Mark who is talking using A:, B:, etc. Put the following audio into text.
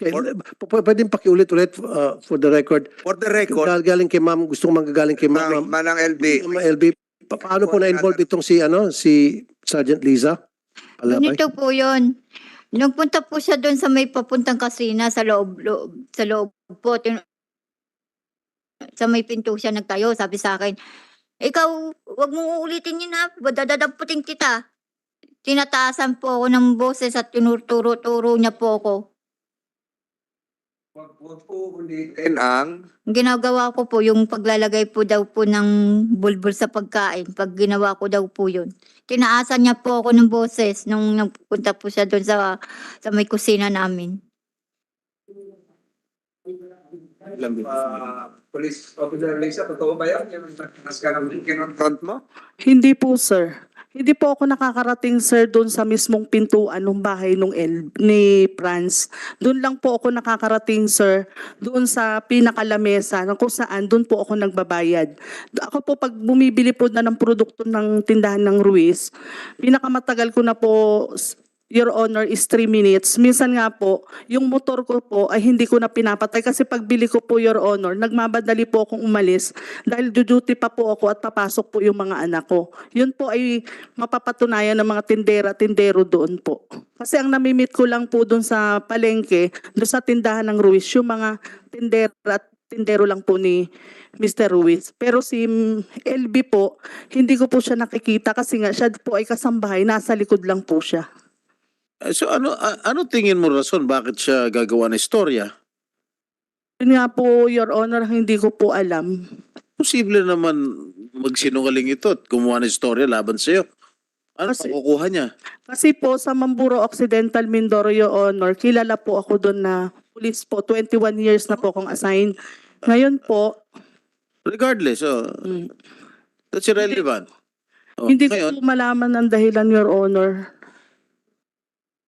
A: Okay, pwedeng pakiulit-ulit for the record.
B: For the record,
A: Galing kay ma'am, gusto kong manggagaling kay ma'am.
B: Manang LB,
A: Ma'am LB, paano po na-involve itong si Sergeant Liza? Alabay?
C: Ganito po yun. Nagpunta po siya doon sa may papuntang kasina sa loob po. Sa may pinto siya nagtayo, sabi sa akin, ikaw, wag mong uulitin yun ha, dadadaputin kita. Tinataasan po ako ng boses at tinuturo-turo niya po ako.
B: wag po ulitin ang
C: Ginagawa ko po yung paglalagay po daw po ng bulbul sa pagkain. Pag ginawa ko daw po yun. Tinaasan niya po ako ng boses nung nagpunta po siya doon sa may kusina namin.
B: Police Officer Lisa, totoo ba yan? Yung nas ka ng kinonfront mo?
D: Hindi po, sir. Hindi po ako nakakarating, sir, doon sa mismong pintuan ng bahay ni Franz. Doon lang po ako nakakarating, sir, doon sa pinakalamesa kung saan doon po ako nagbabayad. Ako po, pag bumibili po na ng produkto ng tindahan ng Ruiz, pinakamatagal ko na po, Your Honor, is 3 minutes. Minsan nga po, yung motor ko po ay hindi ko na pinapatay kasi pagbili ko po, Your Honor, nagmamadali po akong umalis dahil duty pa po ako at papasok po yung mga anak ko. Yun po ay mapapatunayan ng mga tindera-tindero doon po. Kasi ang namimit ko lang po doon sa palengke, doon sa tindahan ng Ruiz, yung mga tindera at tindero lang po ni Mr. Ruiz. Pero si LB po, hindi ko po siya nakikita kasi nga siya po ay kasambahay, nasa likod lang po siya.
E: So ano tingin mo rason bakit siya gagawa ng istorya?
D: Yun nga po, Your Honor, hindi ko po alam.
E: Posible naman magsinungaling ito at gumawa ng istorya laban sa iyo. Ano makukuha niya?
D: Kasi po sa Mamburo Occidental Mindoro, Your Honor, kilala po ako doon na police po. 21 years na po akong assigned. Ngayon po,
E: Regardless, that's irrelevant.
D: hindi ko
E: Ngayon,
D: po malaman ang dahilan, Your Honor.